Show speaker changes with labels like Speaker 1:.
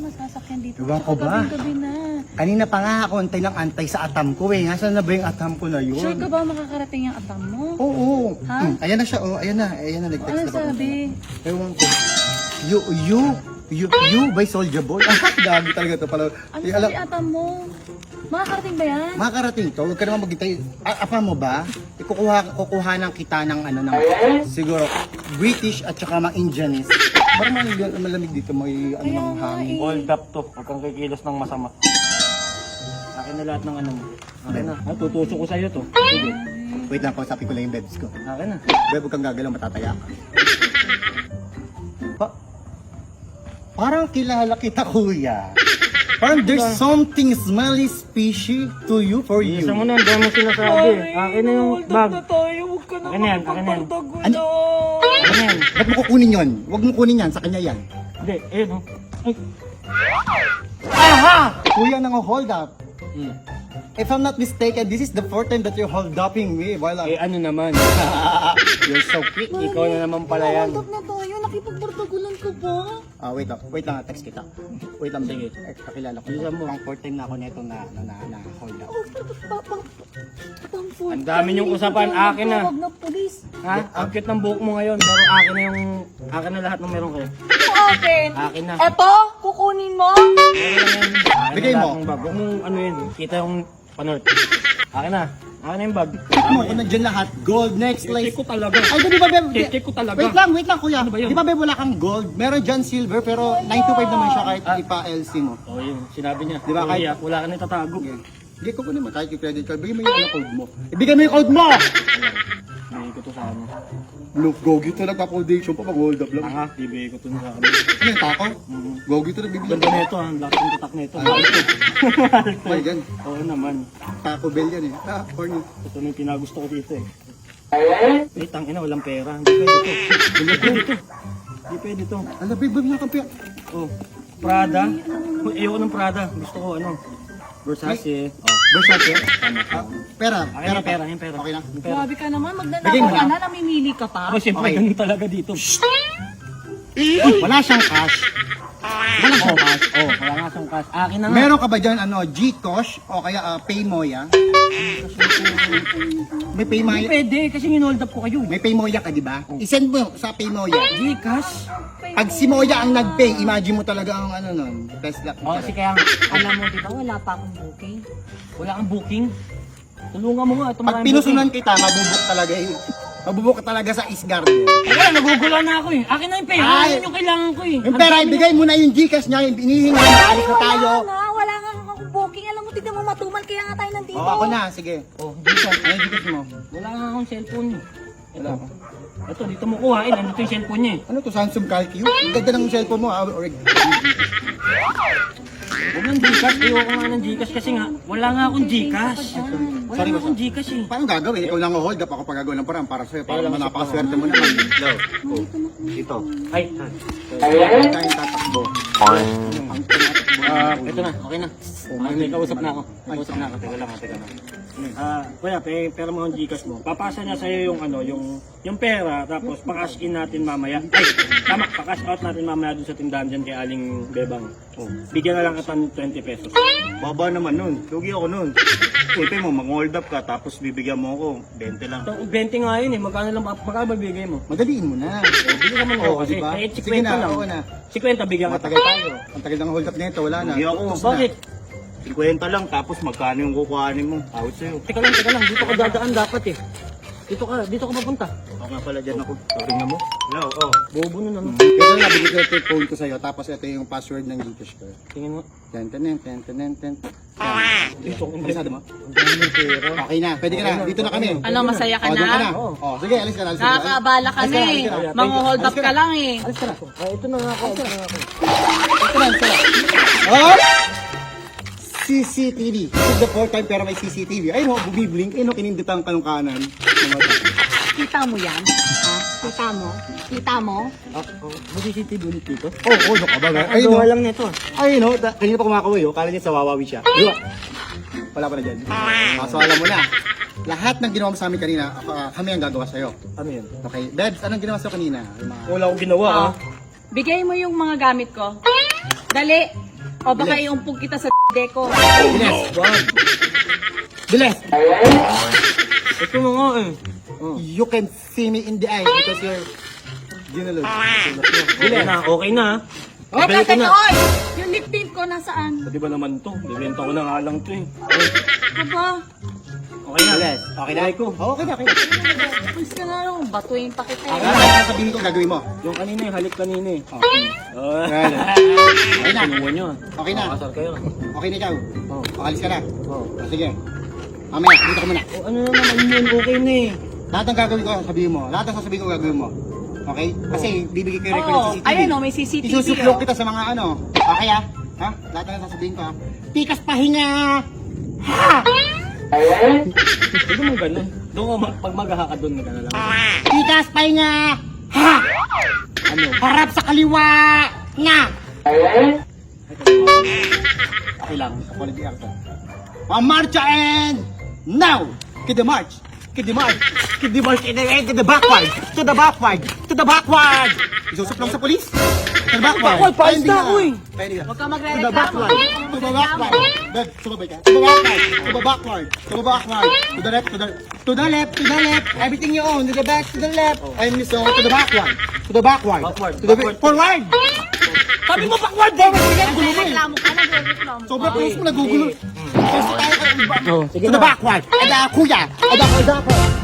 Speaker 1: sasakyan dito.
Speaker 2: Ewan ko ba?
Speaker 1: Gabi na.
Speaker 2: Kanina pa nga ako antay ng antay sa atam ko eh. Nasaan na ba yung atam ko na yun?
Speaker 1: Sure ka ba makakarating yung atam mo?
Speaker 2: Oo.
Speaker 1: Ha?
Speaker 2: Ayan na siya, oh. Ayan na, nag-text
Speaker 1: Ano
Speaker 2: na ba?
Speaker 1: sabi?
Speaker 2: Ewan ko. You by Soulja Boy? Ah, gagi talaga to pala.
Speaker 1: Ano
Speaker 2: Eh,
Speaker 1: sabi atam mo? Makakarating ba yan?
Speaker 2: makakarating to, huwag ka naman maghintay. Apa mo ba? Kukuhanan kita ng ano ng siguro British at saka mga Indianese. Parang malamig dito, may ano
Speaker 1: Kaya
Speaker 2: ng
Speaker 1: nga
Speaker 2: hangin.
Speaker 1: eh.
Speaker 3: Hold up to. Huwag kang kikilos ng masama. Akin na lahat ng ano mo. Akin na. Ah, tutusok ko sa'yo to. Sige.
Speaker 2: Wait lang, kausapin ko lang yung bebs ko.
Speaker 3: Akin na.
Speaker 2: Beb, huwag kang gagalaw, matataya ka. Parang kilala kita, kuya. Parang there's something smelly fishy to you, for you.
Speaker 3: Isa mo na, ang dami mo sinasabi. Akin na yung bag.
Speaker 1: tayo, huwag ka
Speaker 3: Akin na yan, akin na yan.
Speaker 2: Ano?
Speaker 3: Akin na yan.
Speaker 2: Ba't mo kukunin yun? Huwag mo kunin yan, sa kanya yan.
Speaker 3: Hindi, ayun oh. Ay.
Speaker 2: Aha! Kuya, nang-hold up.
Speaker 3: Hmm.
Speaker 2: If I'm not mistaken, this is the fourth time that you're hold upping me while
Speaker 3: Eh
Speaker 2: I'm...
Speaker 3: ano naman. You're so quick. Ikaw na naman pala yan.
Speaker 1: Hold up na tayo, nakipagbardagulan ka ba?
Speaker 2: Wait lang, text kita. Wait lang,
Speaker 3: Sige.
Speaker 2: kakilala ko.
Speaker 3: Bilisan mo.
Speaker 2: Pang fourth time na ako neto na hold up.
Speaker 3: Ang dami niyong usapan. Akin na.
Speaker 1: Huwag na pulis.
Speaker 3: Ha? Ang cute ng buhok mo ngayon. Pero akin na yung... Akin na lahat ng meron kayo.
Speaker 1: Ito akin.
Speaker 3: Akin na.
Speaker 1: Eto, kukunin mo?
Speaker 3: Akin na yan. Akin
Speaker 2: Bigay
Speaker 3: na
Speaker 2: mo.
Speaker 3: lahat ng bag. Huwag mong ano yun. Kita yung panort. Akin na. Akin na yung bag.
Speaker 2: Check mo kung nandiyan lahat. Gold necklace.
Speaker 3: Check ko talaga.
Speaker 2: Ay, di ba, Beb?
Speaker 3: Check ko talaga.
Speaker 2: Wait lang, kuya.
Speaker 3: Ano ba yun?
Speaker 2: Di ba, Beb, wala kang gold? Meron dyan silver, pero 925 naman siya kahit ipa-LC mo.
Speaker 3: Oh, yun. Sinabi niya.
Speaker 2: Di ba, kahit-
Speaker 3: Kahit wala ka na itatago.
Speaker 2: Hindi ko naman kahit yung credit card. Bigay mo yung code mo. Ibigay mo yung code mo!
Speaker 3: Bibigay ko to sa ano.
Speaker 2: Look, gogi to nagpa-foundation pa pag hold up lang.
Speaker 3: Aha, bibigay ko to sa ano.
Speaker 2: Ano yung tako? Gogi to nagbibigay.
Speaker 3: Ganda nito ah. Ang lakas ng tatak nito.
Speaker 2: Ay, gan.
Speaker 3: Oo naman.
Speaker 2: Taco Bell yan eh. Ah, corny.
Speaker 3: Ito na yung pinagusto ko dito eh. Eh, tangina, walang pera. Hindi pwede to. Hindi pwede to. Hindi pwede to.
Speaker 2: Ala, babe, babe, nakakampi.
Speaker 3: Oh, Prada. Ayoko ng Prada. Gusto ko ano. Versace. Oh.
Speaker 2: Versace? Pera.
Speaker 3: Akin yung pera, yung pera.
Speaker 2: Okay na.
Speaker 3: Yung pera.
Speaker 1: Grabe ka naman,
Speaker 2: Bigay
Speaker 1: magnanakaw
Speaker 2: mo
Speaker 1: ka
Speaker 2: na.
Speaker 1: na, namimili ka pa.
Speaker 3: Ako siyempre,
Speaker 2: Okay.
Speaker 3: ganun talaga dito.
Speaker 2: Wala siyang cash. Wala siyang cash.
Speaker 3: Oh, wala nga siyang cash. Akin na nga.
Speaker 2: Meron ka ba dyan, Gcash o kaya Paymoya? May
Speaker 3: Hindi
Speaker 2: Paymoya.
Speaker 3: pwede, kasi ginhold up ko kayo.
Speaker 2: May Paymoya ka, di ba? I-send mo sa Paymoya.
Speaker 3: Gcash?
Speaker 2: Pag si Moya ang nag-pay, imagine mo talaga ang ano nun. Best luck.
Speaker 3: Oh, kasi kaya,
Speaker 1: Alam mo, di ba, wala pa akong booking.
Speaker 3: wala kang booking. Tulungan mo nga. Ito
Speaker 2: Pag
Speaker 3: maraming
Speaker 2: pinusunan kita, mabubuk talaga eh. Mabubuk ka talaga sa Isgarden.
Speaker 3: booking. Wala, nagugula na ako eh. Akin na yung pera.
Speaker 2: Ay.
Speaker 3: Yun yung kailangan ko eh.
Speaker 2: Yung pera, ibigay mo na yung Gcash niya, yung inihingi na, alis na tayo.
Speaker 1: Wala nga akong booking. Alam mo, tignan mo matumal, kaya nga tayo nandito.
Speaker 2: O, ako na, sige.
Speaker 3: Oh, Gcash.
Speaker 2: Ano yung Gcash mo?
Speaker 3: Wala nga akong cellphone eh.
Speaker 2: Wala.
Speaker 3: Ito, dito mo kuhain. Nandito yung cellphone niya eh.
Speaker 2: Ano to, Samsung Calcue? Ang ganda ng cellphone mo, or
Speaker 3: Huwag ng Gcash. Ayoko nga ng Gcash kasi nga, wala nga akong Gcash. Wala
Speaker 2: Sorry,
Speaker 3: nga
Speaker 2: boss.
Speaker 3: akong Gcash eh.
Speaker 2: Paano gagawin? Ikaw lang ang hold up, ako pagagawa ng parang para sa'yo. Para naman napakaswerte mo naman. Hello. Ito.
Speaker 3: Ay,
Speaker 2: Kaya tayong tatakbo.
Speaker 3: ito na. Okay na. May kausap na ako. May kausap na ako. Teka lang, teka lang. Kuya, pera mo ang Gcash mo. Papasa niya sa'yo yung ano, yung pera, tapos pa-cash in natin mamaya. Ay, tama, pa-cash out natin mamaya dun sa tindahan dyan kay Aling Bebang. Oh, bigyan na lang kita ng 20 pesos.
Speaker 4: Baba naman nun. Lugi ako nun. Siyempre mo, mag-hold up ka, tapos bibigyan mo ako. 20 lang.
Speaker 3: So, 20 nga yun eh. Magkano mabibigay mo?
Speaker 2: Madaliin mo na.
Speaker 3: Bigyan naman ako kasi.
Speaker 2: diba?
Speaker 3: Kahit
Speaker 2: Sige
Speaker 3: 50
Speaker 2: na,
Speaker 3: lang.
Speaker 2: oo na.
Speaker 3: 50 bigyan kita.
Speaker 2: Matagal tayo. Ang tagal ng hold up nito, wala na.
Speaker 4: Lugi ako.
Speaker 2: Tapos na.
Speaker 3: Bakit?
Speaker 4: 50 lang, tapos magkano yung kukuhanin mo? Out sa'yo.
Speaker 3: Teka lang. Dito ka dadaan dapat eh. Dito ka papunta.
Speaker 4: Ako nga pala dyan ako. Tingnan mo. Hello, oh.
Speaker 3: Bobo nun ano.
Speaker 2: Kaya na, bigyan ko ito yung phone ko sa'yo, tapos ito yung password ng Gcash ko.
Speaker 3: Tingin mo.
Speaker 2: Ten.
Speaker 3: Dito ko
Speaker 2: Alisado mo?
Speaker 3: Ang dami ng pera.
Speaker 2: Okay na, pwede ka na. Dito na kami.
Speaker 1: Ano, masaya ka
Speaker 2: O, doon ka na.
Speaker 1: na?
Speaker 3: Oo.
Speaker 2: O, sige, alis ka na. Alis ka na.
Speaker 1: Nakakaabala kami.
Speaker 2: Alis ka na.
Speaker 1: Mang-hold up ka lang eh.
Speaker 2: Alis ka na.
Speaker 3: Ito na nga ako.
Speaker 2: Alis ka na. Oh! CCTV. This is the fourth time pero may CCTV. Ayun o, bumiblink. Ayun o, kininditan ka ng kanan.
Speaker 1: Kita mo yan? Ha? Kita mo? Kita mo?
Speaker 3: Mag-CCTV ulit dito.
Speaker 2: Oh, ano ka ba? Ayun
Speaker 3: Gawa
Speaker 2: o.
Speaker 3: lang nito.
Speaker 2: Ayun o, kanina pa kumakaway o. Kala niya sa wawawi siya. Diba? Wala pa na dyan. So alam mo na. Lahat ng ginawa mo sa amin kanina, kami ang gagawa sa'yo.
Speaker 3: Ano yan?
Speaker 2: Okay, Debs, anong ginawa sa'yo kanina? Yung mga...
Speaker 3: Wala akong ginawa ah.
Speaker 1: Bigay mo yung mga gamit ko. Dali. O baka iumpog kita sa deko.
Speaker 2: Bilis. Bilis.
Speaker 3: Ito mo nga eh.
Speaker 2: You can see me in the eye because you're ginulog.
Speaker 3: Okay na, okay na.
Speaker 1: O,
Speaker 3: Balik ko
Speaker 1: teka,
Speaker 3: na.
Speaker 1: oy! Yung lip tint ko nasaan?
Speaker 3: Pwede ba naman to? Bibenta ko na nga lang to eh.
Speaker 1: Aba,
Speaker 3: Okay na.
Speaker 2: Bilis. Okay na?
Speaker 3: Okay ko.
Speaker 2: Okay na, okay na.
Speaker 1: please ka na lang. Batuin pa kita.
Speaker 2: Ano ang sasabihin ko gagawin mo?
Speaker 3: Yung kanina eh, halik kanina eh. Oh.
Speaker 2: Okay na.
Speaker 3: Kinuha nyo ah.
Speaker 2: Okay na.
Speaker 3: Makasar kayo.
Speaker 2: Okay na ikaw.
Speaker 3: Oh.
Speaker 2: Pakalis ka na.
Speaker 3: Oh.
Speaker 2: Sige. Mamaya, dito ka muna.
Speaker 3: Oh, ano na naman yun? Okay na eh.
Speaker 2: Lahat ng gagawin ko, sabihin mo. Lahat ng sasabihin ko, gagawin mo. Okay? Kasi bibigay ko yung record ng
Speaker 1: Oo,
Speaker 2: CCTV.
Speaker 1: ayun o, may CCTV.
Speaker 2: Isusuplok
Speaker 1: oh.
Speaker 2: kita sa mga ano. Okay ah? Ha? Lahat ng sasabihin ko ha? Tikas pahinga! Ha!
Speaker 3: Pwede mo ganun. Doon ka pag mag-haka doon, magana lang.
Speaker 2: Tikas pahinga! Ha!
Speaker 3: Ano?
Speaker 2: Harap sa kaliwa! Nga! Okay lang. Quality actor. Marcha and now! Kid the march! Kid the march! Kid the march! To the backward! To the backward! To the backward! Isusuplong sa polis? To the backward!
Speaker 3: Backward, paayos na ako eh.
Speaker 1: Huwag ka
Speaker 2: To the
Speaker 1: magre-reklamo.
Speaker 2: backward! To the backward! Dad, sumabay ka. To the backward! To the backward! To the backward! To the left! To the left! To the left! Everything you own! To the back! To the left! And so, to the backward! To the backward!
Speaker 3: Backward,
Speaker 2: To the
Speaker 3: backward.
Speaker 2: forward! Sabi mo backward!
Speaker 1: Nagre-reklamo ka, nagre-reklamo ka.
Speaker 2: Sobrang close mo, nagugulo. Kasi tayo
Speaker 3: Oh, sige
Speaker 2: to the
Speaker 3: na.
Speaker 2: backward! Ada kuya! Ada